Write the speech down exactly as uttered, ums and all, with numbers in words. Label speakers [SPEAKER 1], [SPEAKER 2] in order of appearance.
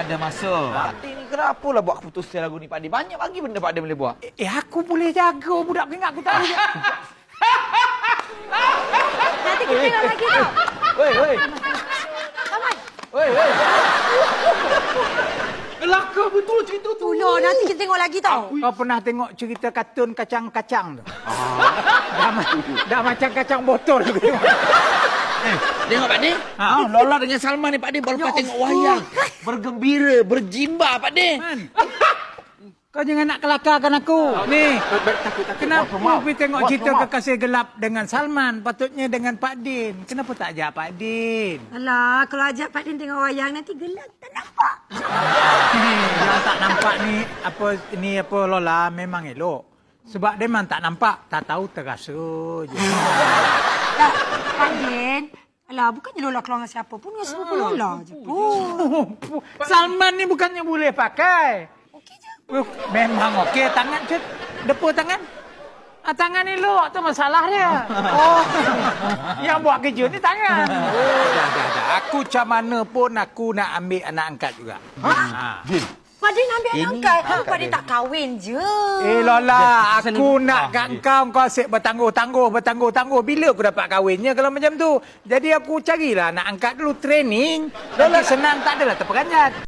[SPEAKER 1] ada masa. Pak Din ni kenapa lah buat keputusan lagu ni Pak Din? Banyak lagi benda Pak Din boleh buat.
[SPEAKER 2] Eh, eh aku boleh jaga budak ingat aku tak boleh.
[SPEAKER 3] Nanti kita tengok lagi tau.
[SPEAKER 1] Woi, woi.
[SPEAKER 3] Taman.
[SPEAKER 1] Woi, woi.
[SPEAKER 4] Kelakar betul cerita tu.
[SPEAKER 3] Tolong, nanti kita tengok lagi tau.
[SPEAKER 2] Kau pernah tengok cerita kartun kacang-kacang tu? Dah, ma- dah macam kacang botol tu.
[SPEAKER 1] Eh, tengok Pak Din. Ha, Lola dengan Salman ni Pak Din baru lepas tengok wayang. Bergembira, berjimba Pak Din.
[SPEAKER 2] Man. Kau jangan nak kelakarkan aku. Ni, kenapa pergi tengok
[SPEAKER 1] Bos,
[SPEAKER 2] cerita
[SPEAKER 1] maaf.
[SPEAKER 2] Kekasih Gelap dengan Salman? Patutnya dengan Pak Din. Kenapa tak ajak Pak Din?
[SPEAKER 3] Alah, kalau ajak Pak Din tengok wayang, nanti gelap tak nampak.
[SPEAKER 2] Yang tak nampak ni, apa ni apa Lola memang elok. Sebab dia memang tak nampak, tak tahu terasa je.
[SPEAKER 3] Tak, Pak Din. Alah, bukannya Lola keluar dengan siapa pun, dengan sepupu Lola je pun.
[SPEAKER 2] Salman ni bukannya boleh pakai.
[SPEAKER 3] Okey je.
[SPEAKER 2] Uh, memang okey. Tangan cik. Depa tangan. Ah, tangan ni elok tu masalah dia. Oh. Yang buat kerja ni tangan. Oh, dah, dah, dah. Aku macam mana pun aku nak ambil anak angkat juga. Ha?
[SPEAKER 1] Din.
[SPEAKER 3] Pak Din ambil anak angkat.
[SPEAKER 1] angkat
[SPEAKER 3] Pak Din
[SPEAKER 1] dia.
[SPEAKER 3] tak kahwin je.
[SPEAKER 2] Eh Lola, aku
[SPEAKER 1] Sen-
[SPEAKER 2] nak
[SPEAKER 1] ah,
[SPEAKER 2] kat
[SPEAKER 1] dia.
[SPEAKER 2] kau kau asyik bertangguh-tangguh, bertangguh-tangguh. Bila aku dapat kahwinnya kalau macam tu? Jadi aku carilah anak angkat dulu training. Lola senang tak adalah terperanjat.